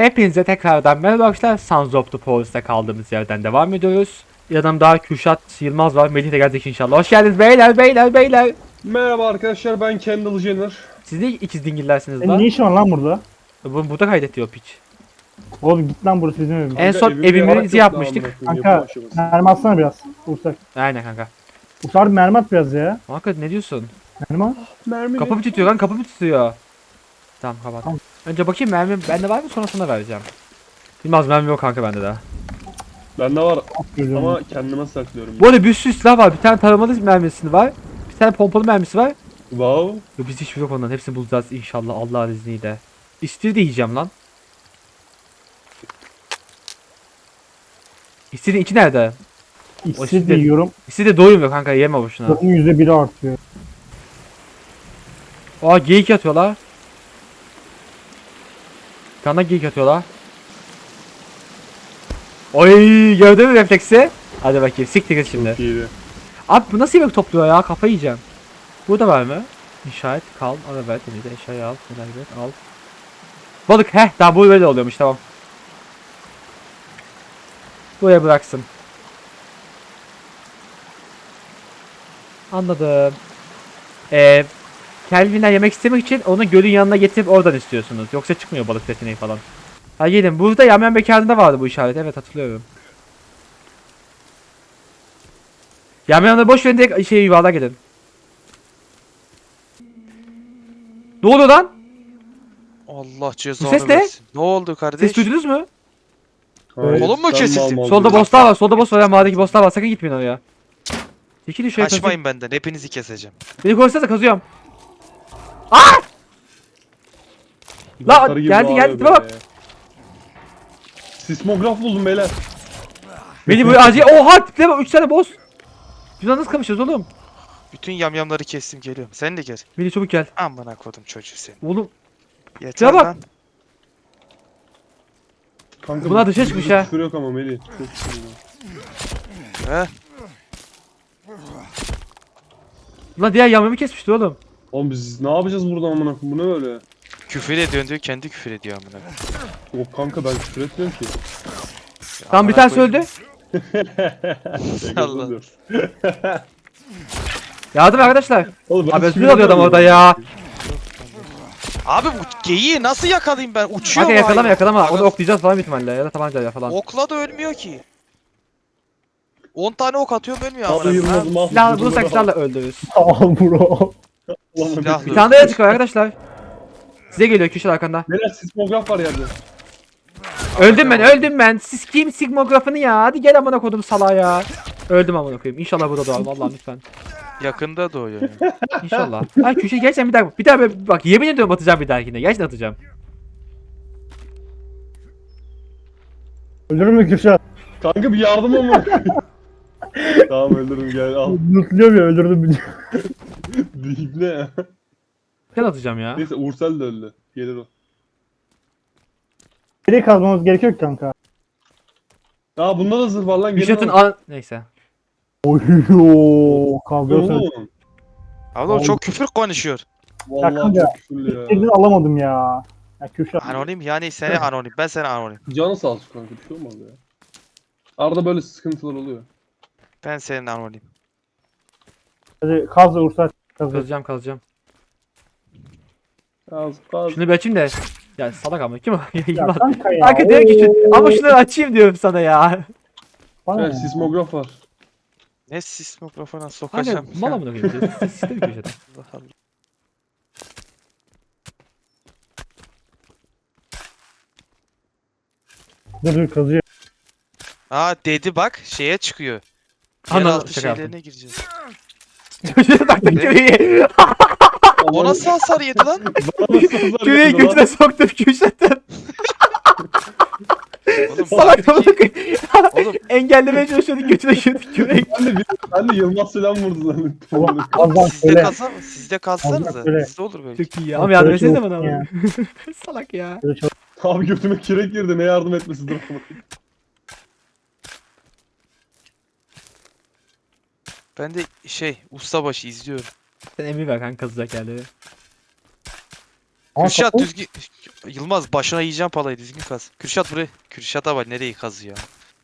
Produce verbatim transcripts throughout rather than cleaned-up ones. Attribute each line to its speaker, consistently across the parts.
Speaker 1: Hepinize tekrardan merhaba arkadaşlar. Sons of the Forest'ta kaldığımız yerden devam ediyoruz. Yanımda Kürşat Yılmaz var. Melih de gelecek inşallah. Hoş geldiniz beyler beyler beyler.
Speaker 2: Merhaba arkadaşlar, ben Kendall Jenner.
Speaker 1: Siz de ikiz dingillersiniz
Speaker 3: E,
Speaker 1: lan.
Speaker 3: ne işin var lan burada?
Speaker 1: Bu burada kaydediyor piç.
Speaker 3: Oğlum git lan, burası bizim evimiz.
Speaker 1: En son
Speaker 2: Evimde yarak
Speaker 1: evimizi
Speaker 2: yok
Speaker 1: yapmıştık.
Speaker 2: daha amına koyayım,
Speaker 3: Kanka
Speaker 2: yapı aşaması.
Speaker 3: mermi atsana biraz. Ursak.
Speaker 1: Aynen kanka.
Speaker 3: Ursak bir mermi at biraz ya.
Speaker 1: Kanka ne diyorsun?
Speaker 3: Mermi at.
Speaker 2: Mermi
Speaker 1: Kapı mı tutuyor lan, kapı mı tutuyor? Tamam kapat.
Speaker 3: Tamam.
Speaker 1: Önce bakayım mermi bende var mı, sonra sana vereceğim. Bilmez, mermi yok kanka bende daha.
Speaker 2: bende var
Speaker 3: Görüyorum.
Speaker 2: ama kendime saklıyorum.
Speaker 1: Bu arada bir sürü silah var. Bir tane taramalı mermisi var. Bir tane pompalı mermisi var.
Speaker 2: Wow.
Speaker 1: Yo, biz hiçbir yok ondan. Hepsini bulacağız inşallah Allah'ın izniyle. İstiri de yiyeceğim lan. İstirin içi nerede? o
Speaker 3: İksir
Speaker 1: şimdi-
Speaker 3: de yiyorum.
Speaker 1: İstiri de doymuyor kanka, yeme boşuna.
Speaker 3: Canım yüzde biri artıyor.
Speaker 1: Aa geyik atıyorlar. Bir tane daha geyik atıyorlar. Oy, gördün mü refleksi? Hadi bakayım siktir git şimdi.
Speaker 2: Çok iyiydi.
Speaker 1: Abi bu nasıl yemek topluyor ya, kafayı yiyeceğim. Burada var mı? İnşaat, kal, ara ver, denize eşyayı al, neler ver, al. Balık, heh, daha bu böyle oluyormuş, tamam. Buraya bıraksın. Anladım. Eee Kelvin'den yemek istemek için onu gölün yanına getirip oradan istiyorsunuz. Yoksa çıkmıyor balık seçeneği falan. Ha gelin, burada Yamyam Bekarı'nda vardı bu işaret, evet hatırlıyorum. Yamyam'da boş verin, direkt şey yuvarlığa gidin. Ne oluyor lan?
Speaker 4: Allah
Speaker 1: Bu
Speaker 4: cezanı
Speaker 1: ses ne?
Speaker 4: versin. Ne oldu kardeş?
Speaker 1: Ses duydunuz mu?
Speaker 2: Hayır,
Speaker 4: Kolum mu
Speaker 2: sen
Speaker 4: kesildi?
Speaker 2: mal mal
Speaker 1: Solda
Speaker 2: diyorsun.
Speaker 1: bosslar var, solda boss var ya, mağaradaki bosslar var, sakın gitmeyin oraya. Çekilin şöyle kazıyım.
Speaker 4: Kaçmayın benden. Hepinizi keseceğim.
Speaker 1: Beni korusanıza, kazıyorum. La,
Speaker 2: Botları gibi
Speaker 1: geldi,
Speaker 2: bağırıyor
Speaker 1: geldi, tipe bak.
Speaker 2: be. Sismograf buldum beyler.
Speaker 1: Beni böyle acil, oha tipe bak, üç tane boss. Biz nasıl kapışacağız oğlum?
Speaker 4: Bütün yamyamları kestim, geliyorum. Sen de gel.
Speaker 1: Beni çabuk gel.
Speaker 4: Amına kodum çocuğu seni.
Speaker 1: Oğlum
Speaker 4: Yeter
Speaker 1: bak.
Speaker 4: lan.
Speaker 2: Kanka
Speaker 1: Bunlar
Speaker 2: bu-
Speaker 1: dışarı çıkmış
Speaker 2: bu
Speaker 1: ha.
Speaker 2: Küfür yok ama Melih. Çok küfür yok.
Speaker 4: He?
Speaker 1: lan diğer yamyamı kesmişti oğlum.
Speaker 2: Oğlum biz ne yapacağız burada amına koyayım? Bu ne böyle?
Speaker 4: Küfür ediyorsun diyor, kendi küfür ediyor amına.
Speaker 2: Yok kanka, ben küfür etmiyorum ki.
Speaker 1: Tamam, bir
Speaker 4: Amına
Speaker 1: tanesi
Speaker 4: koyayım.
Speaker 1: öldü.
Speaker 4: Allah.
Speaker 2: Diyor.
Speaker 1: Yardım arkadaşlar.
Speaker 2: Oğlum ben
Speaker 1: Abi
Speaker 2: sinir
Speaker 1: özür alıyor adam
Speaker 2: oluyorum
Speaker 1: orada ya.
Speaker 4: Abi bu geyiği nasıl yakalayayım ben? Uçuyor
Speaker 1: Kanka
Speaker 4: mu
Speaker 1: yakalama
Speaker 4: hayvan?
Speaker 1: yakalama. Onu
Speaker 4: Aga,
Speaker 1: oklayacağız falan bir ihtimalle ya da tabancayla falan.
Speaker 4: okla da ölmüyor ki. on tane ok atıyorum, ölmüyor amına.
Speaker 2: Abi
Speaker 4: koyayım.
Speaker 2: Yılmaz'ım al.
Speaker 1: Silah bulursak silahla öldürürüz.
Speaker 3: Al bro.
Speaker 2: Ulan
Speaker 4: Silah-
Speaker 1: Bir tane daha yaratık var arkadaşlar. Size geliyor köşe arkanda.
Speaker 2: Neler sismograf var yerde.
Speaker 1: Öldüm ben, öldüm ben. Siz kim sigmografını ya? Hadi gel amına kodum salağa ya. Öldüm amına koyayım. İnşallah burada doğar vallahi lütfen.
Speaker 4: Yakında doğuyor. Yani.
Speaker 1: İnşallah. Ay köşe gerçekten bir daha bir daha böyle- bak yemin ediyorum atacağım bir dahakine. Gerçekten atacağım.
Speaker 3: Ölür mü Kürşat?
Speaker 2: Kanka bir yardım ama. Tamam öldürürüm, gel al.
Speaker 3: Mutluyorum ya, öldürdüm beni.
Speaker 2: Deyip ne ya?
Speaker 1: Gel atacağım ya.
Speaker 2: Neyse Ursel de öldü. Gelir o.
Speaker 3: Nereye kazmamız gerekiyor ki kanka?
Speaker 2: Aa bunda da zırh var lan, gelin
Speaker 1: Kürşat'ın
Speaker 2: al.
Speaker 1: an... Neyse.
Speaker 3: Oyyoo. Kavga sen.
Speaker 2: Oğlum.
Speaker 4: Abi o çok küfür konuşuyor.
Speaker 2: Vallahi
Speaker 3: kanka,
Speaker 2: çok küfürlü ya.
Speaker 3: Birini alamadım ya. Ya Kürşat.
Speaker 4: Anonim yani, seni anonim. Ben seni anonim.
Speaker 2: Canı sağ olsun kanka, bir şey olmaz ya. Arada böyle sıkıntılar oluyor.
Speaker 4: Ben senin anonim.
Speaker 3: Hadi kaz da Ursak. Kaz da.
Speaker 1: Kazacağım kazacağım.
Speaker 2: Az az.
Speaker 1: Şunu bir açayım da. Ya salak ama kim o?
Speaker 3: Ya
Speaker 1: Yılmaz.
Speaker 3: kanka ya.
Speaker 1: Kanka diyor ki şu...
Speaker 3: Oo.
Speaker 1: Ama şunları açayım diyorum sana ya.
Speaker 3: Bana
Speaker 2: Evet
Speaker 3: ne?
Speaker 2: sismograf var.
Speaker 4: Ne sismografona
Speaker 1: Kanka
Speaker 4: sokacağım.
Speaker 1: mal amına koyayım. Siz siz de bir köşede.
Speaker 4: Allah Allah.
Speaker 3: Dur dur kazıyor.
Speaker 4: Aa dedi bak, şeye çıkıyor.
Speaker 1: Anladım,
Speaker 4: Yeraltı
Speaker 1: şaka yaptım.
Speaker 4: şeylerine gireceğiz.
Speaker 1: Çocuğa taktım
Speaker 4: Ne?
Speaker 1: küreği.
Speaker 4: O nasıl hasar yedi lan?
Speaker 1: Küreği götüne soktum Kürşat'ın.
Speaker 4: Oğlum,
Speaker 1: Salak amına
Speaker 4: halbuki-
Speaker 1: koyayım.
Speaker 4: Oğlum
Speaker 1: Engellemeye çalışıyorduk, götüne girdik küreği.
Speaker 2: Ben de, ben de Yılmaz selam vurdu zannettim.
Speaker 3: Kazdan
Speaker 4: sizde
Speaker 3: söyle.
Speaker 4: kalsa sizde kalsanıza.
Speaker 3: Söyle.
Speaker 4: Sizde olur böyle.
Speaker 1: Çok iyi ya. Ama yardım
Speaker 3: Şöyle
Speaker 1: etsenize
Speaker 3: çabuk
Speaker 1: bana
Speaker 3: ya.
Speaker 1: ama. Salak ya.
Speaker 3: Şöyle çabuk.
Speaker 2: Abi götüme kirek girdi, ne yardım etmesi dur.
Speaker 4: Ben de şey ustabaşı izliyorum.
Speaker 1: Sen emir ver kanka kazacak yerleri.
Speaker 3: Ama
Speaker 4: Kürşat
Speaker 3: kapı-
Speaker 4: düzgün. Yılmaz başına yiyeceğim palayı düzgün kaz. Kürşat buraya. Kürşat'a bak nereyi kazıyor.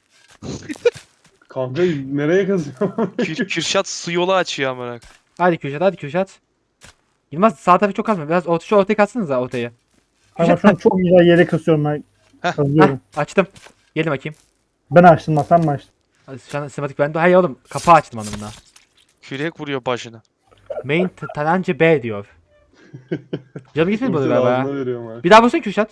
Speaker 2: Kanka nereye kazıyorum?
Speaker 4: Kür, Kürşat su yolu açıyor amına.
Speaker 1: Hadi Kürşat hadi Kürşat. Yılmaz sağ tarafı çok kazma. Biraz orta, şu ortaya katsanıza ortaya.
Speaker 3: Ama şu an çok güzel yere kasıyorum ben.
Speaker 4: Heh,
Speaker 3: Kazıyorum.
Speaker 1: Heh, açtım. Gelin bakayım.
Speaker 3: Ben açtım lan sen mi açtın?
Speaker 1: Hadi Şu an sinematik bende. Hayır oğlum kapağı açtım anlamına.
Speaker 4: Kürek vuruyor başına.
Speaker 1: Main t- Talanca B diyor. Canım gitmedi bu
Speaker 2: Kimse
Speaker 1: galiba
Speaker 2: ağzına
Speaker 1: ya.
Speaker 2: veriyorum ha.
Speaker 1: Bir daha vursana Kürşat.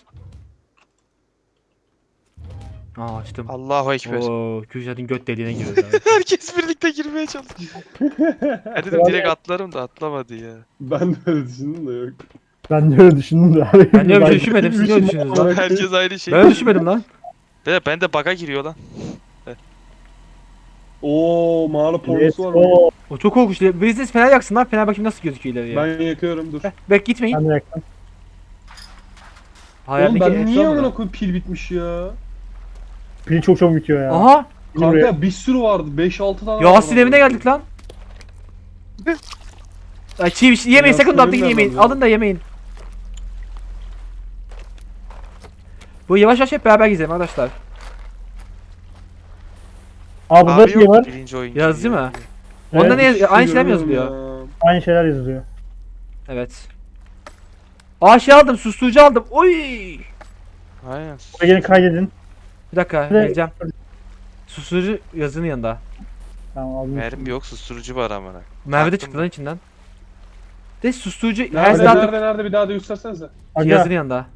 Speaker 1: Aa açtım.
Speaker 4: Allahu ekber.
Speaker 1: Oo Kürşat'ın göt deliğine giriyoruz abi.
Speaker 4: Herkes birlikte girmeye çalışıyor. Ha dedim direkt atlarım da atlamadı ya.
Speaker 2: Ben de öyle düşündüm de yok.
Speaker 3: Ben de öyle düşündüm de.
Speaker 1: Ben de öyle bir şey düşünmedim. Siz ne öyle düşünüyorsunuz lan?
Speaker 4: Herkes aynı şey.
Speaker 1: Ben öyle düşünmedim lan.
Speaker 4: Be, ben de bug'a giriyor lan.
Speaker 2: Oo mağara
Speaker 3: Let's
Speaker 2: pornosu var mı?
Speaker 3: go.
Speaker 1: O çok korkunç. Biriniz fener yaksın lan. Fener bakayım nasıl gözüküyor ileriye.
Speaker 2: Ben yakıyorum dur.
Speaker 1: Heh, Bek gitmeyin.
Speaker 3: Ben de yaktım.
Speaker 2: Oğlum
Speaker 1: Hayalindeki
Speaker 2: ben
Speaker 1: et
Speaker 2: niye
Speaker 1: olmadı.
Speaker 2: amına koyayım pil bitmiş ya?
Speaker 3: Pili çok çabuk bitiyor ya.
Speaker 1: Aha.
Speaker 2: Kanka bir sürü vardı. beş altı tane vardı.
Speaker 1: Yasin evine geldik lan. Ay çiğ bir şey yemeyin
Speaker 2: Yasin
Speaker 1: sakın dolaptaki
Speaker 2: evine
Speaker 1: yemeyin.
Speaker 2: geldim ya.
Speaker 1: Alın da yemeyin. Bu yavaş yavaş hep beraber gidelim arkadaşlar.
Speaker 3: Aa burada
Speaker 4: Abi
Speaker 3: şey var.
Speaker 4: yok birinci oyuncu.
Speaker 1: Yazdı
Speaker 4: ya.
Speaker 1: mı? Onda
Speaker 3: Evet,
Speaker 1: ne yaz- aynı şeyler mi
Speaker 2: Görüyorum
Speaker 1: yazılıyor?
Speaker 2: ya.
Speaker 3: Aynı şeyler yazılıyor.
Speaker 1: Evet. Aa şey aldım, susturucu aldım. Oy!
Speaker 4: Aynen.
Speaker 3: Buraya gelin kaydedin.
Speaker 1: Bir dakika,
Speaker 3: Evet.
Speaker 1: geleceğim. Susturucu yazının yanında.
Speaker 3: Tamam aldım.
Speaker 4: Mermi yok susturucu var amına.
Speaker 1: Merve de
Speaker 4: Baktım
Speaker 1: çıktı lan içinden. De susturucu her
Speaker 2: Nerede
Speaker 1: silahlı
Speaker 2: nerede nerede bir daha da göstersenize.
Speaker 3: Aga,
Speaker 1: yazının yanında.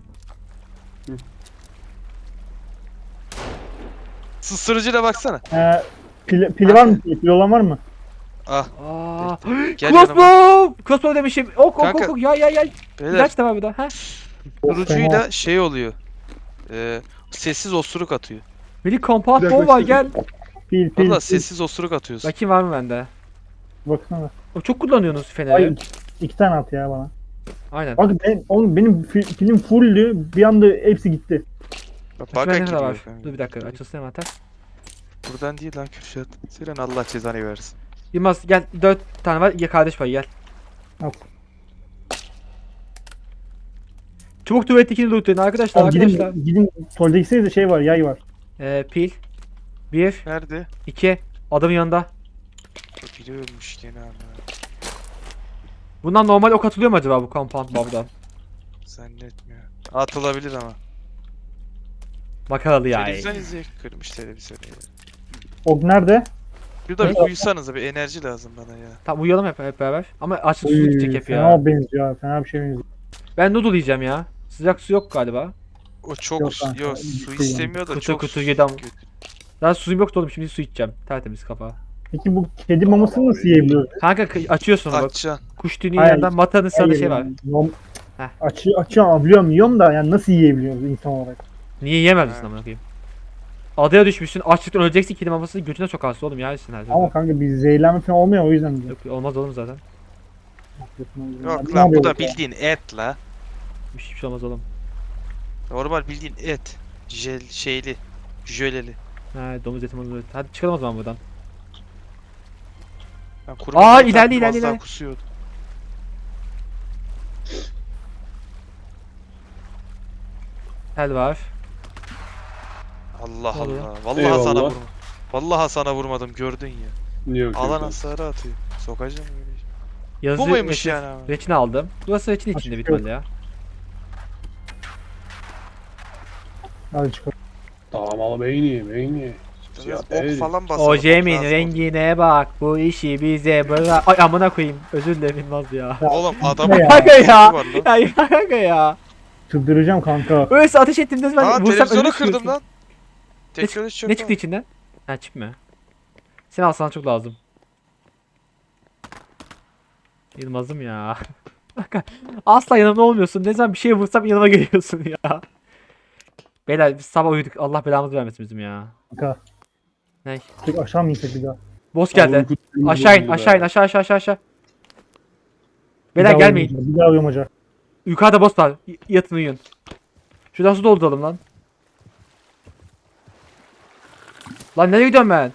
Speaker 4: Susturucuyla baksana.
Speaker 3: e, pili, pili var mı? Pili olan var mı?
Speaker 4: Ah.
Speaker 1: Aa!
Speaker 4: Gel yanıma.
Speaker 1: Crossbow! Crossbow demişim. Ok ok ok
Speaker 4: Kanka.
Speaker 1: ok. Ya ya ya.
Speaker 4: Beyler
Speaker 1: İlaç da var bir daha. Ha?
Speaker 3: Of, fena.
Speaker 4: susturucuyla şey oluyor. Ee, sessiz osuruk atıyor.
Speaker 1: Melih compound
Speaker 2: Bir dakika,
Speaker 1: bomb var
Speaker 2: bir
Speaker 1: gel.
Speaker 3: Pil pil.
Speaker 4: Valla
Speaker 3: pil.
Speaker 4: sessiz osuruk atıyorsun.
Speaker 1: Bakayım var mı bende?
Speaker 3: Baksana.
Speaker 1: O çok kullanıyorsunuz feneri.
Speaker 3: Ay iki tane at ya bana.
Speaker 1: Aynen.
Speaker 3: Bak ben, oğlum benim fi- pilim fulldü. Bir anda hepsi gitti.
Speaker 4: Bak
Speaker 1: Açma
Speaker 4: baka
Speaker 1: ne kadar
Speaker 4: giriyor
Speaker 1: var?
Speaker 4: kanka.
Speaker 1: Dur bir dakika açılsın hemen tak.
Speaker 4: Buradan değil lan Kürşat. Senin Allah cezanı versin.
Speaker 1: Yılmaz gel dört tane var ya kardeş payı gel.
Speaker 3: Al.
Speaker 1: Çubuk tuvalettekini lootlayın arkadaşlar
Speaker 3: Abi
Speaker 1: arkadaşlar.
Speaker 3: gidin, gidin tuvalete de şey var, yay var.
Speaker 1: Ee, pil. Bir,
Speaker 4: Nerede?
Speaker 1: iki. Adamın yanında.
Speaker 4: Biri ölmüş gene ama.
Speaker 1: Bundan normal ok atılıyor mu acaba bu compound bomb'dan?
Speaker 4: Zannetmiyorum. Atılabilir ama.
Speaker 1: Makaralı ya.
Speaker 4: Televizyon izleyip kırmış televizyonu ya.
Speaker 3: Ok nerede?
Speaker 4: Bir de bir
Speaker 3: Ne?
Speaker 4: uyusanıza bir enerji lazım bana ya.
Speaker 1: Tamam uyuyalım hep, hep beraber. Ama açlık su
Speaker 3: Uy,
Speaker 1: gidecek hep ya.
Speaker 3: fena benziyor abi, fena bir şey benziyor.
Speaker 1: Ben noodle yiyeceğim ya. Sıcak su yok galiba.
Speaker 4: O çok
Speaker 3: Yok
Speaker 4: yok,
Speaker 3: kanka,
Speaker 4: su
Speaker 3: bitti
Speaker 4: istemiyor da
Speaker 1: Kutu
Speaker 4: çok
Speaker 1: kutu
Speaker 4: su
Speaker 1: yedi ama.
Speaker 4: kötü.
Speaker 1: Daha suyum yoktu oğlum şimdi su içeceğim. Tertemiz kafa.
Speaker 3: Peki bu kedi mamasını nasıl yiyebiliyoruz?
Speaker 1: Kanka kı- açıyorsun onu bak.
Speaker 4: Açacaksın.
Speaker 1: Kuş tüyünün
Speaker 3: Hayır.
Speaker 1: yanında matanın sağında şey var.
Speaker 3: Nom-
Speaker 1: Heh.
Speaker 3: Açı, açıyorum biliyorum yiyorum da yani nasıl yiyebiliyoruz insan olarak?
Speaker 1: Niye yiyemez misin
Speaker 4: Ha.
Speaker 1: amına koyayım? Adaya düşmüşsün açlıktan öleceksin kedi mamasını götüne sokarsın oğlum yersin her
Speaker 3: Ama
Speaker 1: zaman.
Speaker 3: kanka bir zehirlenme falan olmuyor o yüzden diyor.
Speaker 1: Yok olmaz oğlum zaten.
Speaker 4: Yok
Speaker 3: Ne
Speaker 4: lan bu
Speaker 3: yapıyoruz
Speaker 4: da
Speaker 3: ya?
Speaker 4: bildiğin et la.
Speaker 1: Hiçbir şey olmaz oğlum.
Speaker 4: Normal bildiğin et. Jel şeyli. Jöleli.
Speaker 1: Ha domuz eti domuz eti. Hadi çıkalım o zaman buradan.
Speaker 4: Ben
Speaker 1: Aa,
Speaker 4: kurbanlık
Speaker 1: ilerle,
Speaker 4: yaptım,
Speaker 1: ilerle,
Speaker 4: az daha
Speaker 1: ilerle.
Speaker 4: kusuyordu.
Speaker 1: Tel var.
Speaker 4: Allah
Speaker 1: Ne oluyor?
Speaker 4: Allah. Vallahi
Speaker 2: Eyvallah.
Speaker 4: sana vurma. Vallahi sana vurmadım gördün ya.
Speaker 2: Yok,
Speaker 4: Alan
Speaker 2: yok.
Speaker 4: hasarı atıyor. Sokacağım öyle.
Speaker 1: Yazı
Speaker 4: Bu muymuş
Speaker 1: reçin-
Speaker 4: yani abi?
Speaker 1: Reçine aldım. Burası reçin içinde bir
Speaker 3: Açık yok.
Speaker 1: ihtimalle ya.
Speaker 3: Hadi çıkalım.
Speaker 2: Tamam ama beyni beyni.
Speaker 4: Biraz
Speaker 2: Evet.
Speaker 4: ok falan basalım.
Speaker 1: Ojemin
Speaker 4: lazım
Speaker 1: rengine bak bu işi bize bırak. Ay amına koyayım. Özür dilerim Yılmaz ya.
Speaker 4: oldu. Oğlum adamın
Speaker 3: Ya.
Speaker 1: Kanka ya.
Speaker 4: var lan.
Speaker 1: Ya kanka ya.
Speaker 3: Çıldıracağım kanka.
Speaker 1: Öyleyse ateş ettim ne zaman
Speaker 4: Aa
Speaker 1: vursam
Speaker 4: televizyonu
Speaker 1: ölürsün.
Speaker 4: kırdım lan. Teknoloji çok
Speaker 1: Ne çıktı içinden? Ha çip mi? Seni alsan çok lazım. Yılmaz'ım ya. Kanka, asla yanımda olmuyorsun. Ne zaman bir şeye vursam yanıma geliyorsun ya. Beyler biz sabah uyuduk. Allah belamızı vermesin bizim ya.
Speaker 3: Kanka.
Speaker 1: Ne?
Speaker 3: Tek aşağı mı insek bir daha?
Speaker 1: Boss geldi. Aşağı in, aşağı in, aşağı aşağı aşağı aşağı.
Speaker 3: Bir
Speaker 1: Beyler
Speaker 3: daha
Speaker 1: gelmeyin.
Speaker 3: uyumaca, Bir daha uyumaca.
Speaker 1: Yukarıda boss var. Y- Yatın uyuyun. Şuradan su dolduralım lan. Lan nereye gidiyorum ben?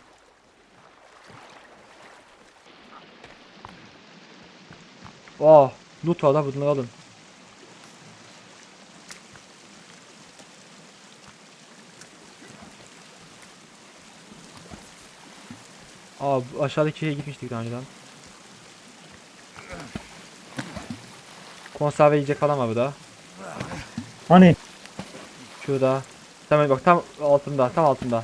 Speaker 1: Oh, loot var lan bunları alın. Aa bu aşağıdaki yere gitmiştik daha önceden. Konserve yiyecek falan var burada.
Speaker 3: Hani
Speaker 1: Şurada. Tamam bak tam altında, tam altında.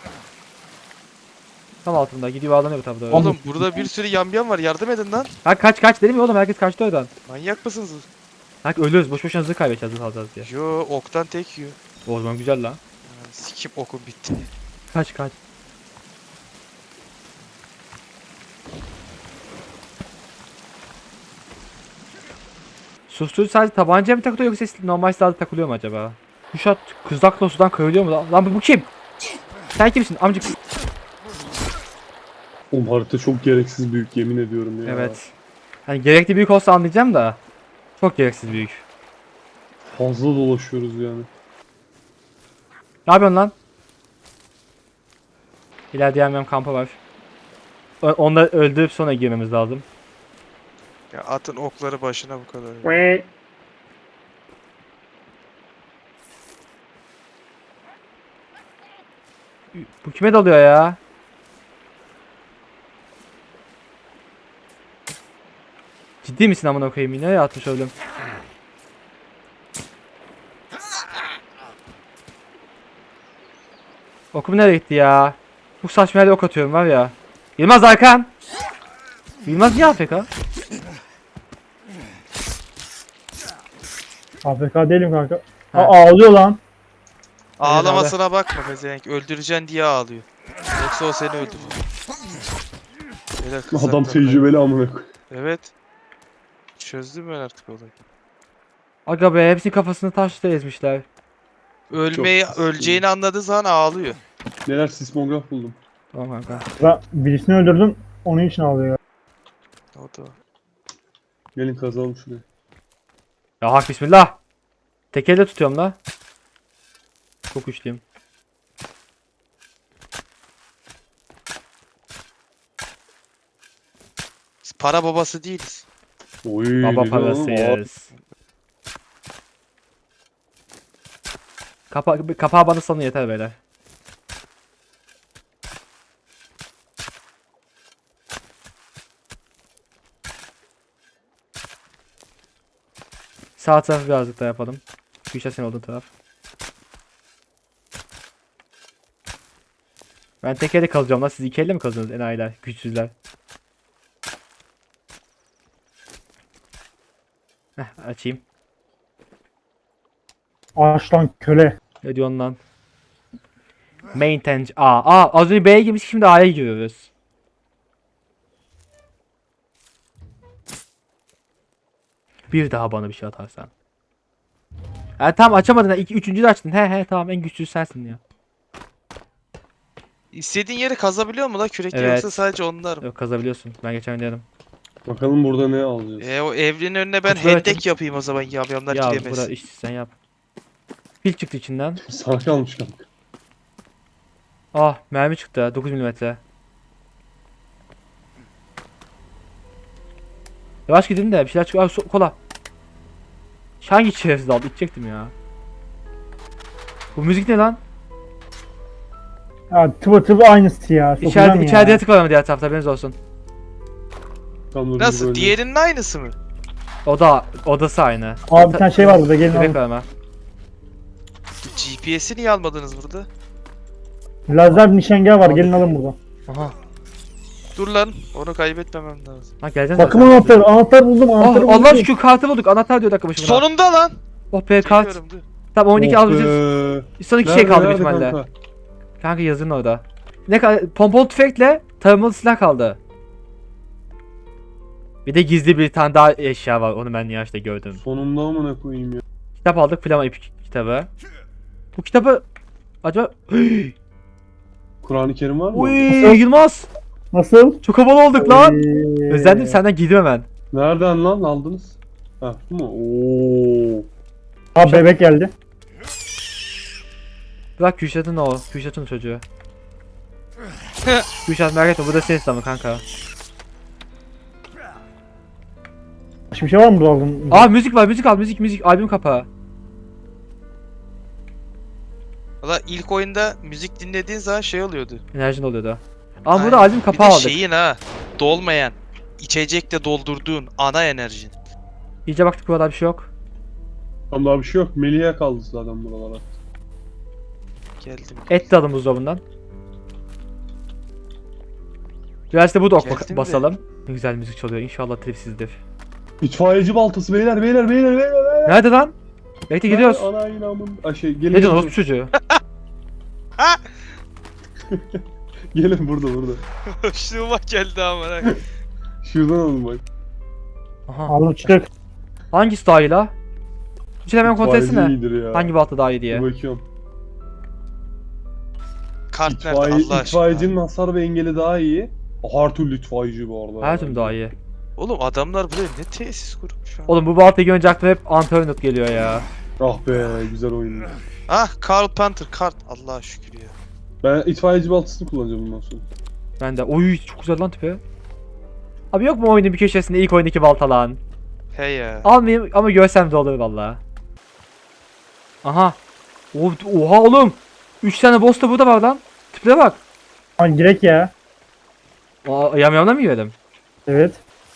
Speaker 1: Tam altında. Gidiyor bağlanıyor tabii doğru.
Speaker 4: Oğlum burada bir sürü yamyam var, yardım edin lan.
Speaker 1: Ha kaç kaç dedim ya oğlum, herkes kaçtı oradan.
Speaker 4: Manyak mısınız?
Speaker 1: Bak ölüyoruz, boş boşuna zırh kaybedeceğiz, zırh alacağız diye.
Speaker 4: Yo, oktan tek yiyor.
Speaker 1: O zaman güzel lan.
Speaker 4: Yani sikim okum bitti.
Speaker 1: Kaç kaç. Susturucu sadece tabancaya mı takılıyor yoksa normal silahda takılıyor mu acaba? Kuşat kızakla sudan kayılıyor mu lan? Lan bu, bu kim? Sen kimsin amcık?
Speaker 2: Oğlum harita çok gereksiz büyük yemin ediyorum ya.
Speaker 1: Evet. Hani gerekli büyük olsa anlayacağım da. Çok gereksiz büyük.
Speaker 2: Fazla dolaşıyoruz yani.
Speaker 1: Ne yapıyorsun lan? İleride yemem kampı var. O- Onları öldürüp sonra girmemiz lazım.
Speaker 4: Ya atın okları başına bu kadar. ya.
Speaker 1: Bu kime dalıyor ya? Ciddi misin amına koyayım, yine atmış oğlum. Okum nereye gitti ya? Bu saçma yerde ok atıyorum var ya. Yılmaz Arkan. Yılmaz niye A F K?
Speaker 3: A F K değilim kanka.
Speaker 1: Ha.
Speaker 3: Aa, ağlıyor lan.
Speaker 4: Ağlamasına bakma pezevenk. Öldüreceksin diye ağlıyor. Yoksa o seni öldürür. Beyler,
Speaker 2: Adam
Speaker 4: kızaklar
Speaker 2: tecrübeli amına koy.
Speaker 4: kay- Evet. Çözdüm ben artık olayı.
Speaker 1: Aga be, hepsinin kafasını taşla ezmişler.
Speaker 4: Ölmeyi,
Speaker 2: Çok-
Speaker 4: öleceğini anladığı zaman ağlıyor.
Speaker 2: Neler sismograf buldum.
Speaker 1: Tamam kanka.
Speaker 3: Ben birisini öldürdüm. Onun için ağlıyor.
Speaker 4: O da.
Speaker 2: Gelin kazalım şurayı.
Speaker 1: Ya hak bismillah. Tek elle tutuyorum la. Çok güçlüyüm.
Speaker 4: Biz para babası değiliz.
Speaker 2: Oy,
Speaker 1: Baba
Speaker 2: ne diyor oğlum?
Speaker 1: parasıyız. Kapa kapağı bana salın yeter beyler. Sağ tarafı birazcık daha yapalım. Güçler senin olduğun taraf. Ben tek elle kazacağım lan, siz iki elle mi kazıyorsunuz enayiler, güçsüzler? Heh, açayım.
Speaker 3: Aç lan köle.
Speaker 1: Ne diyorsun lan? Maintain A. Aa az önce B'ye girmiş, şimdi A'ya giriyoruz. Bir daha bana bir şey atarsan. Ha tamam, açamadın ha. İki, üçüncü de açtın. He he tamam, en güçlüsü sensin ya.
Speaker 4: İstediğin yeri kazabiliyor mu la kürekle,
Speaker 1: Evet.
Speaker 4: yoksa sadece onlar mı?
Speaker 1: Yok, kazabiliyorsun. Ben geçen denedim.
Speaker 2: Bakalım burada ne alacağız.
Speaker 4: E o evrenin önüne ben
Speaker 1: Kutuları
Speaker 4: hendek
Speaker 1: açın.
Speaker 4: yapayım o zaman, yamyamlar
Speaker 1: Ya
Speaker 4: giremez.
Speaker 1: bura işte sen yap. Pil çıktı içinden.
Speaker 2: Sana kalmış kanka.
Speaker 1: Ah mermi çıktı. dokuz milimetre. Yavaş gidin de bir şeyler çıkıyor. Aa, so- kola. Hangi şerefsiz aldı? İçecektim ya. Bu müzik ne lan?
Speaker 3: Ya tıvı tıvı aynısı ya.
Speaker 1: İçeride,
Speaker 3: Sokacağım
Speaker 1: içeride
Speaker 3: ya.
Speaker 1: yatık var ama diğer tarafta, haberiniz olsun.
Speaker 2: Tam dur,
Speaker 4: Nasıl?
Speaker 2: böyle.
Speaker 4: Diğerinin aynısı mı?
Speaker 1: O da odası aynı.
Speaker 3: Abi bir tane şey var burada, gelin
Speaker 1: Bebek
Speaker 3: alın.
Speaker 1: var ama.
Speaker 4: G P S'i niye almadınız burada?
Speaker 3: Lazer nişangah var, gelin alın burada.
Speaker 1: Aha.
Speaker 4: Dur lan, onu kaybetmemem lazım.
Speaker 1: Ha geleceğiz
Speaker 3: Bakım
Speaker 1: zaten.
Speaker 3: anahtarı, anahtar buldum, anahtar
Speaker 1: Oh,
Speaker 3: buldum.
Speaker 1: Allah şükür kartı bulduk. Anahtar diyor dakika başına.
Speaker 4: Sonunda lan!
Speaker 1: Oh be kart.
Speaker 4: Çekiyorum, dur.
Speaker 1: Tamam on iki
Speaker 2: Oh
Speaker 1: alacağız.
Speaker 2: be.
Speaker 1: Son iki şey
Speaker 2: Nerede,
Speaker 1: kaldı büyük
Speaker 2: nerede
Speaker 1: ihtimalle.
Speaker 2: kanka?
Speaker 1: Kanka yazın orada. Ne kadar pompalı tüfekle tarımalı silah kaldı. Bir de gizli bir tane daha eşya var. Onu ben yaşta gördüm.
Speaker 2: Sonunda amına koyayım ya.
Speaker 1: Kitap aldık. Flama ipik kitabı. Bu kitabı acaba
Speaker 2: Kur'an-ı Kerim var mı?
Speaker 1: Uy
Speaker 3: Nasıl?
Speaker 1: Yılmaz.
Speaker 3: Nasıl?
Speaker 1: Çok havalı olduk lan.
Speaker 3: Ee,
Speaker 1: Özlendim senden, gidiyor hemen.
Speaker 2: Nereden lan aldınız? Ha bu mu? Oo.
Speaker 3: Abi bebek geldi.
Speaker 1: Bırak Kürşat'ın o. Kürşat'ın çocuğu. Kürşat merak etme, bu da senin silahın kanka.
Speaker 3: Başka bir şey var mı burada aldın?
Speaker 1: Aa müzik var, müzik al, müzik müzik albüm kapağı.
Speaker 4: Valla ilk oyunda müzik dinlediğin zaman şey oluyordu.
Speaker 1: Enerjin oluyor da. Ama burada
Speaker 4: Aynen.
Speaker 1: albüm
Speaker 4: Bir
Speaker 1: kapağı
Speaker 4: de
Speaker 1: aldık.
Speaker 4: şeyin ha. Dolmayan. İçecekle doldurduğun ana enerjin.
Speaker 1: İyice baktık burada bir şey yok.
Speaker 2: Tam daha bir şey yok. Melih'e kaldı zaten buralara.
Speaker 4: Geldim.
Speaker 1: Et de alın buzdolabından. Biraz da burada ok
Speaker 4: Geldim de.
Speaker 1: basalım. Ne güzel müzik çalıyor. İnşallah tripsizdir.
Speaker 2: İtfaiyeci baltası beyler beyler beyler beyler. beyler.
Speaker 1: Nerede lan? Bekle gidiyoruz.
Speaker 2: Ana inamın. Ay şey gelin.
Speaker 1: Ne diyorsun
Speaker 2: gelin.
Speaker 1: orospu çocuğu?
Speaker 2: Gelin burada burada.
Speaker 4: Hoşluğuma geldi amına.
Speaker 2: Şuradan alın bak.
Speaker 1: Aha.
Speaker 3: Alın çık.
Speaker 1: Hangisi daha iyi la? Şimdi hemen kontrol
Speaker 2: İtfaiyeci
Speaker 1: etsene.
Speaker 2: iyidir ya.
Speaker 1: Hangi balta daha iyi diye.
Speaker 2: Dur bakıyorum.
Speaker 4: Kart nerede
Speaker 2: İtfaiye,
Speaker 4: Allah aşkına?
Speaker 2: itfaiyecinin hasar ve engeli daha iyi. Her türlü itfaiyeci bu arada.
Speaker 1: Her türlü daha iyi.
Speaker 4: Oğlum adamlar buraya ne tesis kurmuş ha?
Speaker 1: Oğlum bu baltayı görünce aklıma hep Antonut geliyor ya.
Speaker 2: Ah be güzel oyun.
Speaker 4: Ah Carl Panther kart. Allah'a şükür ya.
Speaker 2: Ben itfaiyeci baltasını kullanacağım bundan sonra.
Speaker 1: Ben de. Oy çok güzel lan tipi. Abi yok mu oyunun bir köşesinde ilk oyundaki balta lan?
Speaker 4: He ya.
Speaker 1: Almayayım ama görsem de olur valla. Aha. O- Oha oğlum. üç tane boss da burada var lan. Tiplere bak.
Speaker 3: Lan girek ya.
Speaker 1: Aa, yamyamla mı yiyelim?
Speaker 3: Evet.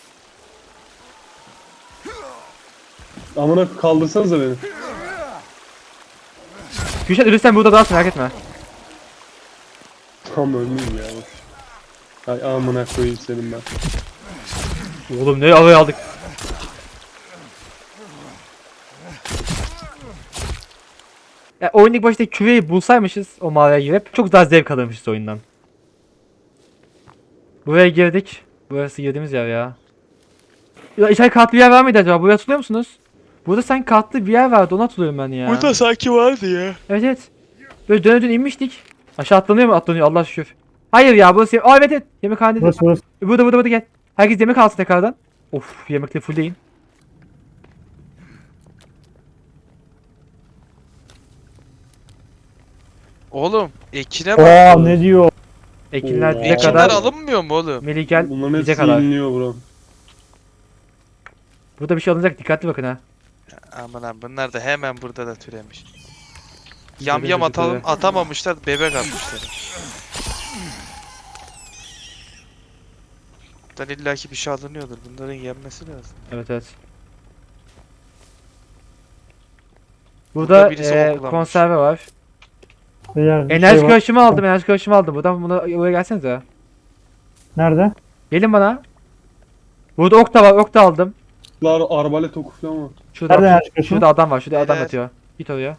Speaker 2: Amına kaldırsanıza beni.
Speaker 1: Gülşen ölürsen burada daha merak etme.
Speaker 2: Tam ölmeyeyim ya. Bak. Ay amına koyayım senin ben.
Speaker 1: Oğlum ne havaya aldık. Ya oyun ilk başta küveyi bulsaymışız o mağaraya girip çok daha zevk alırmışız oyundan. Buraya girdik. Burası girdiğimiz yer ya. Ya içeri katlı bir yer var mıydı acaba? Buraya hatırlıyor musunuz? Burada sanki katlı bir yer vardı, onu hatırlıyorum ben ya.
Speaker 4: Burada sanki vardı ya.
Speaker 1: Evet evet. Böyle döne döne inmiştik. Aşağı atlanıyor mu? Atlanıyor Allah şükür. Hayır ya burası yem- Aa evet evet. Yemekhane.
Speaker 3: Burası burası.
Speaker 1: Burada burada burada gel. Herkes yemek alsın tekrardan. Of yemekle fullleyin.
Speaker 4: Oğlum ekine bak.
Speaker 3: Aa ne diyor?
Speaker 1: Ekinler
Speaker 2: Oo.
Speaker 1: bize
Speaker 4: Ekinler
Speaker 1: kadar.
Speaker 4: alınmıyor mu oğlum?
Speaker 1: Melih gel
Speaker 2: Bunların
Speaker 1: bize
Speaker 2: hepsi
Speaker 1: kadar.
Speaker 2: yeniliyor bro.
Speaker 1: Burada bir şey alınacak, dikkatli bakın ha.
Speaker 4: Aman abi bunlar da hemen burada da türemiş. Yam
Speaker 1: Bebek
Speaker 4: yam atalım
Speaker 1: çocukları.
Speaker 4: atamamışlar bebek atmışlar. Buradan illaki bir şey alınıyordur. Bunların yenmesi lazım.
Speaker 1: Evet evet. Burada
Speaker 4: birisi
Speaker 1: eee,
Speaker 4: oklamış.
Speaker 1: konserve var.
Speaker 3: Beyler, bir
Speaker 1: Enerji
Speaker 3: şey var.
Speaker 1: karışımı aldım, enerji karışımı aldım. Buradan buna buraya gelsenize.
Speaker 3: Nerede?
Speaker 1: Gelin bana. Burada ok da var, ok da aldım.
Speaker 2: Lar arbalet oku falan var.
Speaker 1: Şurada,
Speaker 3: Nerede enerji karışımı?
Speaker 1: şurada adam var, şurada adam
Speaker 4: Beyler.
Speaker 1: yatıyor. Git oraya.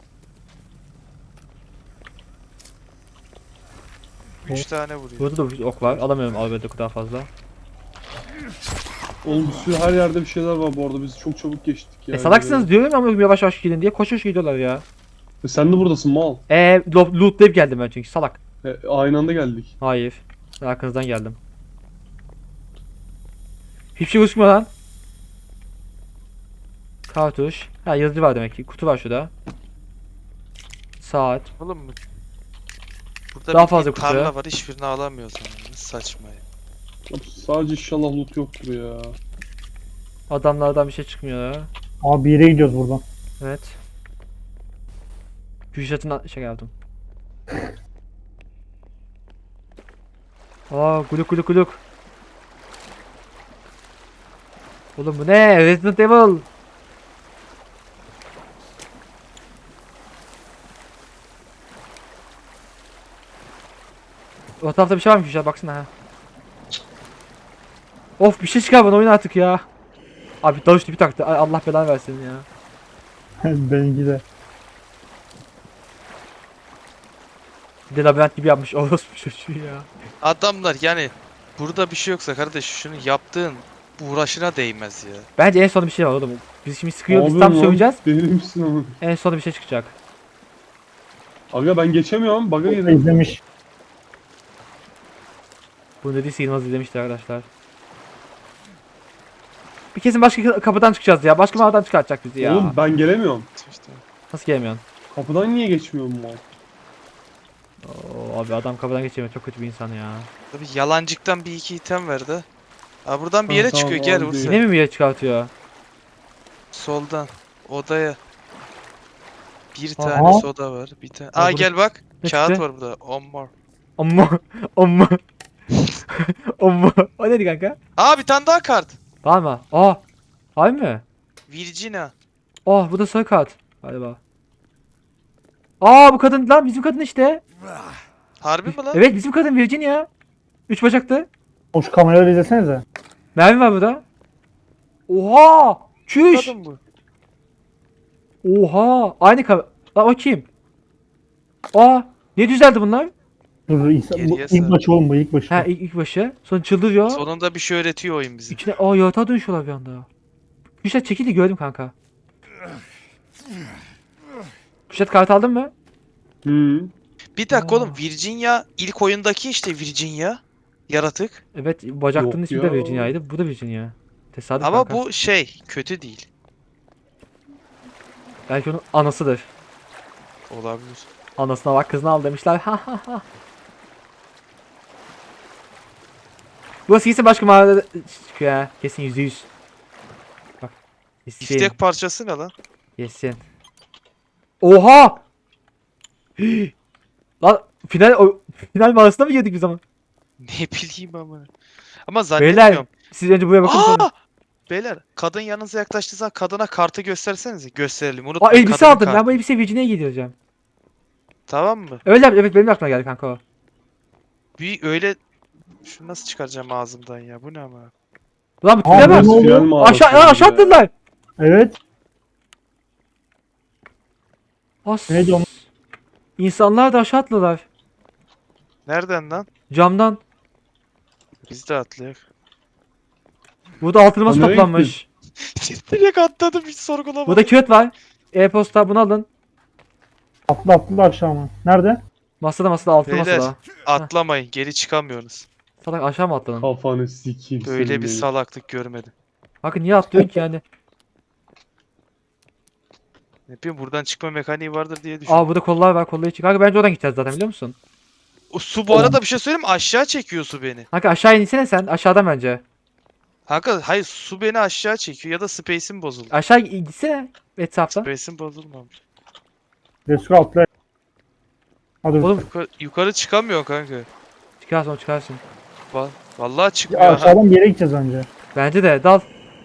Speaker 4: Üç tane vuruyor.
Speaker 1: Burada da bir ok var. Alamıyorum albet oku daha fazla.
Speaker 2: Oğlum bir sürü her yerde bir şeyler var bu arada. Biz çok çabuk geçtik ya.
Speaker 1: E salaksınız diyorum ama yavaş yavaş gidin diye koşuş gidiyorlar ya.
Speaker 2: E, sen de buradasın mal.
Speaker 1: Eee lootlayıp geldim ben çünkü salak.
Speaker 2: E, aynı anda geldik.
Speaker 1: Hayır. Ben arkanızdan geldim. Hiçbir şey gözükmüyor lan. Kartuş. Ha yazıcı var demek ki. Kutu var şurada. Saat.
Speaker 4: Oğlum mu? Burada
Speaker 1: Daha
Speaker 4: bir
Speaker 1: fazla kutu
Speaker 4: tarla
Speaker 1: ya.
Speaker 4: var hiçbirini alamıyoruz yani. Ne saçma ya.
Speaker 2: Abi, sadece inşallah loot yoktur ya.
Speaker 1: Adamlardan bir şey çıkmıyor ya.
Speaker 3: Abi bir yere gidiyoruz buradan.
Speaker 1: Evet. Kürşat'ın şey yaptım. Aa guluk guluk guluk. Oğlum bu ne? Resident Evil. O tarafta bir şey var mı Kürşat? Baksana ha. Of bir şey çıkar bana oyun artık ya. Abi dalış tipi taktı. Ay, Allah belanı versin ya.
Speaker 3: Benimki de.
Speaker 1: Bir de labirent gibi yapmış orospu çocuğu ya.
Speaker 4: Adamlar yani burada bir şey yoksa kardeş şunu yaptığın uğraşına değmez ya.
Speaker 1: Bence en son bir şey var oğlum. Biz şimdi sıkıyoruz, biz
Speaker 2: Abi
Speaker 1: tam
Speaker 2: lan,
Speaker 1: söyleyeceğiz.
Speaker 2: Deli misin ama?
Speaker 1: En sonunda bir şey çıkacak.
Speaker 2: Aga ben geçemiyorum. Baga girdim.
Speaker 3: İzlemiş.
Speaker 1: Bu dediyse Yılmaz izlemiştir arkadaşlar. Bir kesin başka kapıdan çıkacağız ya. Başka mağaradan çıkartacak bizi ya.
Speaker 2: Oğlum ben gelemiyorum.
Speaker 4: İşte.
Speaker 1: Nasıl gelemiyorsun?
Speaker 2: Kapıdan niye geçmiyorum mal?
Speaker 1: Oo, abi adam kapıdan geçemiyor. Çok kötü bir insan ya.
Speaker 4: Tabii yalancıktan bir iki item verdi. Aa buradan bir
Speaker 2: Tamam,
Speaker 4: yere
Speaker 2: tamam,
Speaker 4: çıkıyor gel
Speaker 2: abi.
Speaker 4: Ursa.
Speaker 1: Yine mi bir yere çıkartıyor?
Speaker 4: Soldan odaya. Bir
Speaker 3: Aha.
Speaker 4: tane soda var. Bir tane.
Speaker 1: Aa,
Speaker 4: Aa
Speaker 1: burada-
Speaker 4: gel bak.
Speaker 1: Ne
Speaker 4: Kağıt
Speaker 1: çıktı?
Speaker 4: var burada. On more.
Speaker 1: Amma amma. o mu? O neydi kanka?
Speaker 4: Aa bir tane daha kart.
Speaker 1: Var mı? Aa. Var mı?
Speaker 4: Virginia.
Speaker 1: Oh bu da sarı kart. Galiba. Aa bu kadın lan bizim kadın işte.
Speaker 4: Harbi mi lan?
Speaker 1: Evet bizim kadın Virginia. Üç bacaklı.
Speaker 3: O şu kameraları izlesenize.
Speaker 1: Mermi var burada. Oha! Çüş!
Speaker 4: Kadın bu.
Speaker 1: Oha! Aynı kamera. Lan o kim? Aa! Ne düzeldi bunlar?
Speaker 3: Dur dur insan, bu
Speaker 4: Geriye
Speaker 3: ilk
Speaker 4: sar.
Speaker 3: başı oğlum bu ilk başı.
Speaker 1: Ha ilk, ilk başı. Sonra çıldırıyor.
Speaker 4: Sonunda bir şey öğretiyor oyun bize.
Speaker 1: İçine aa yatağa dönüşüyorlar bir anda. Kuşat çekildi gördüm kanka. Kuşat kart aldın mı?
Speaker 2: Hı.
Speaker 4: Bir dakika
Speaker 1: Aa.
Speaker 4: oğlum Virginia ilk oyundaki işte Virginia. Yaratık.
Speaker 1: Evet bacaklının
Speaker 2: Yok
Speaker 1: ismi de
Speaker 2: ya.
Speaker 1: Virginia'ydı. Bu da Virginia. Tesadüf
Speaker 4: Ama
Speaker 1: kanka.
Speaker 4: bu şey kötü değil.
Speaker 1: Belki onun anasıdır.
Speaker 4: Olabilir.
Speaker 1: Anasına bak kızını al demişler. Ha ha ha. Burası kesin başka mağarada çıkıyor ya. Kesin yüzde yüz. Bak. Kesin.
Speaker 4: İstek parçası ne lan?
Speaker 1: Kesin. Oha! Hii! Lan final o, final mağarasına mı girdik biz ama?
Speaker 4: Ne bileyim ama. Ama
Speaker 1: Beyler
Speaker 4: zannetmiyorum.
Speaker 1: siz önce buraya bakın sonra.
Speaker 4: Aa! Beyler kadın yanınıza yaklaştığı zaman kadına kartı göstersenize. Gösterelim.
Speaker 1: Aa
Speaker 4: Unutmayın
Speaker 1: elbise
Speaker 4: kadının
Speaker 1: aldım.
Speaker 4: kartı.
Speaker 1: Ben bu elbiseyi Virginia'ya giydireceğim.
Speaker 4: Tamam mı?
Speaker 1: Öyle yap- evet benim de aklıma geldi kanka o.
Speaker 4: Bir öyle şunu nasıl çıkaracağım ağzımdan ya? Bu ne ama?
Speaker 1: Lan bu
Speaker 3: Aa,
Speaker 1: tipe
Speaker 3: bu
Speaker 1: bak.
Speaker 3: ne oluyor?
Speaker 2: Final mağarası
Speaker 1: Aşağı aa, aşağı
Speaker 2: ya.
Speaker 1: attılar.
Speaker 3: Evet.
Speaker 1: As.
Speaker 3: Neydi o?
Speaker 1: İnsanlar da aşağı attılar.
Speaker 4: Nereden lan?
Speaker 1: Camdan.
Speaker 4: Biz de atlayak.
Speaker 1: Burada altın elmas
Speaker 2: Aa, nereye
Speaker 1: toplanmış.
Speaker 4: Direkt atladım hiç sorgulamadım.
Speaker 1: Burada kağıt var. E-posta bunu alın.
Speaker 3: Atlı atlı aşağı mı? Nerede?
Speaker 1: Masada masada altın
Speaker 4: Beyler.
Speaker 1: masada.
Speaker 4: Atlamayın. Geri çıkamıyorsunuz.
Speaker 1: Salak aşağı mı atladın?
Speaker 2: Kafanı sikeyim
Speaker 4: Böyle
Speaker 2: senin
Speaker 4: bir
Speaker 2: benim.
Speaker 4: salaklık görmedim.
Speaker 1: Kanka niye atlıyorsun ki yani?
Speaker 4: Ne bileyim buradan çıkma mekaniği vardır diye düşündüm.
Speaker 1: Aa burada kollar var kolları çık. Kanka bence oradan gideceğiz zaten biliyor musun?
Speaker 4: O su bu arada bir şey söyleyeyim mi? Aşağı çekiyor su beni.
Speaker 1: Kanka aşağı insene sen aşağıdan bence.
Speaker 4: Kanka hayır su beni aşağı çekiyor ya da space'im bozuldu.
Speaker 1: Aşağı gitsene etraftan.
Speaker 4: Space'im bozulmamış.
Speaker 3: Resul atlı. Hadi
Speaker 1: Oğlum
Speaker 4: Yukarı, yukarı çıkamıyor kanka.
Speaker 1: çıkarsın çıkarsın.
Speaker 4: Va- Vallahi
Speaker 3: ya
Speaker 4: çıkmıyor. ha.
Speaker 3: aşağıdan bir yere gideceğiz önce.
Speaker 1: Bence de dal.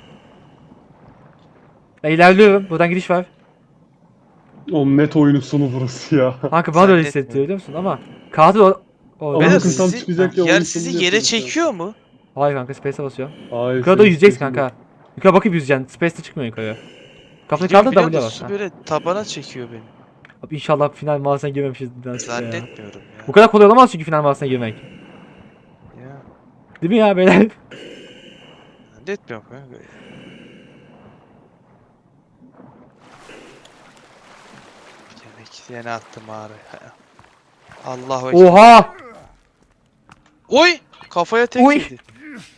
Speaker 1: Ben ilerliyorum. Buradan gidiş var.
Speaker 2: Oğlum net oyunun sonu burası ya.
Speaker 1: Kanka bana da öyle
Speaker 4: Zannetmiyorum.
Speaker 1: hissettiriyor biliyor musun? Ama katil o... o
Speaker 2: Ama
Speaker 4: Beyler
Speaker 2: bakın tam
Speaker 4: sizi,
Speaker 2: çıkacak ya,
Speaker 4: yer
Speaker 2: oyun
Speaker 4: sizi
Speaker 2: sonunu
Speaker 4: yere
Speaker 2: yapıyoruz ya.
Speaker 4: çekiyor mu?
Speaker 1: Hayır kanka space'e basıyorum.
Speaker 2: Hayır,
Speaker 1: Yukarıda
Speaker 2: senin
Speaker 1: yüzeceksin
Speaker 2: sesin
Speaker 1: kanka. Yukarı bakıp yüzeceksin. Space'te çıkmıyor yukarı. Kafanı
Speaker 4: Biliyorum,
Speaker 1: kaldır
Speaker 4: biliyorum
Speaker 1: W'ye
Speaker 4: da
Speaker 1: bas.
Speaker 4: su
Speaker 1: Ha.
Speaker 4: böyle tabana çekiyor beni.
Speaker 1: Abi İnşallah final mağarasına girmemişiz. ya.
Speaker 4: Zannetmiyorum
Speaker 1: Bu
Speaker 4: ya.
Speaker 1: kadar kolay olamaz çünkü final mağarasına girmek.
Speaker 4: ya.
Speaker 1: Değil mi ya beyler?
Speaker 4: Zannetmiyorum kanka. Yemek yine attım ağrı. Allahu ekber.
Speaker 1: Oha!
Speaker 4: Oy! Kafaya tek
Speaker 1: Oy!
Speaker 4: yedi.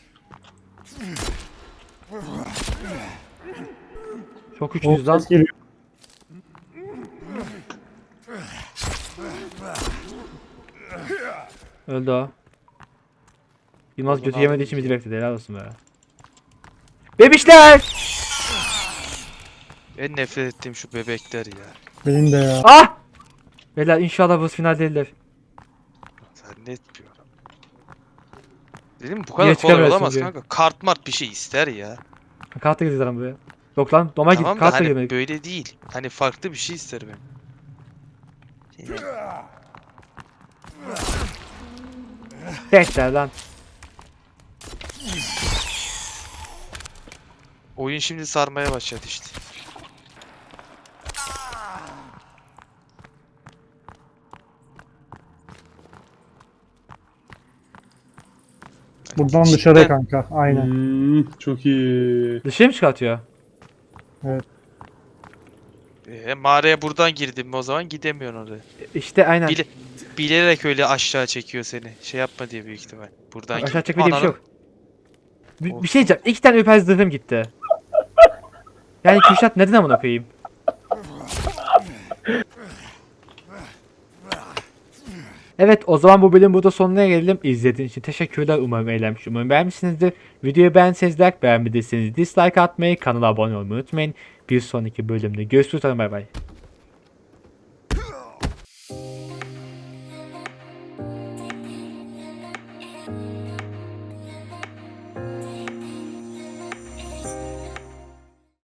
Speaker 1: Çok
Speaker 3: O
Speaker 1: güçlüyüz lan.
Speaker 3: ses geliyor.
Speaker 1: Öldü o. Yılmaz
Speaker 4: Oğlum
Speaker 1: götü
Speaker 4: abi.
Speaker 1: yemediği için bizi bekledi. Helal olsun be. Bebişler!
Speaker 4: En nefret ettiğim şu bebekler ya.
Speaker 3: Benim de ya.
Speaker 1: Ah! Beyler inşallah bu final değildir.
Speaker 4: Zannetmiyorum. Dedim bu kadar
Speaker 1: Niye
Speaker 4: kolay
Speaker 1: çıkamıyorsun
Speaker 4: olamaz
Speaker 1: diye.
Speaker 4: kanka. Kart mart bir şey ister ya.
Speaker 1: Kartla gireceğiz lan buraya. Yok lan normal
Speaker 4: Tamam
Speaker 1: git
Speaker 4: da
Speaker 1: kartla
Speaker 4: hani
Speaker 1: girmedik.
Speaker 4: böyle değil. Hani farklı bir şey ister benim.
Speaker 1: Tekrar lan.
Speaker 4: Oyun şimdi sarmaya başladı işte.
Speaker 3: Buradan
Speaker 4: Cidden-
Speaker 3: dışarıya kanka. Aynen.
Speaker 2: Hmm, çok iyi.
Speaker 1: Dışarı mı çıkartıyor?
Speaker 4: E, mağaraya buradan girdim mi o zaman gidemiyorsun oraya.
Speaker 1: İşte aynen.
Speaker 4: Bile, bilerek öyle aşağı çekiyor seni. Şey yapma diye büyük ihtimal. Buradan
Speaker 1: Aşağı
Speaker 4: gir-
Speaker 1: çekme diye bir şey
Speaker 4: Ananı-
Speaker 1: yok. Bir, bir şey diyeceğim. İki tane öper zırhım gitti. Yani Kürşat neden amına koyayım? Evet o zaman bu bölüm burada sonuna gelelim. İzlediğiniz için teşekkürler. Umarım eğlenmiş. Umarım beğenmişsinizdir. Videoyu beğenseniz like, beğenmediyseniz dislike atmayı, kanala abone olmayı unutmayın. Bir sonraki bölümde görüşürüz. Bay bay.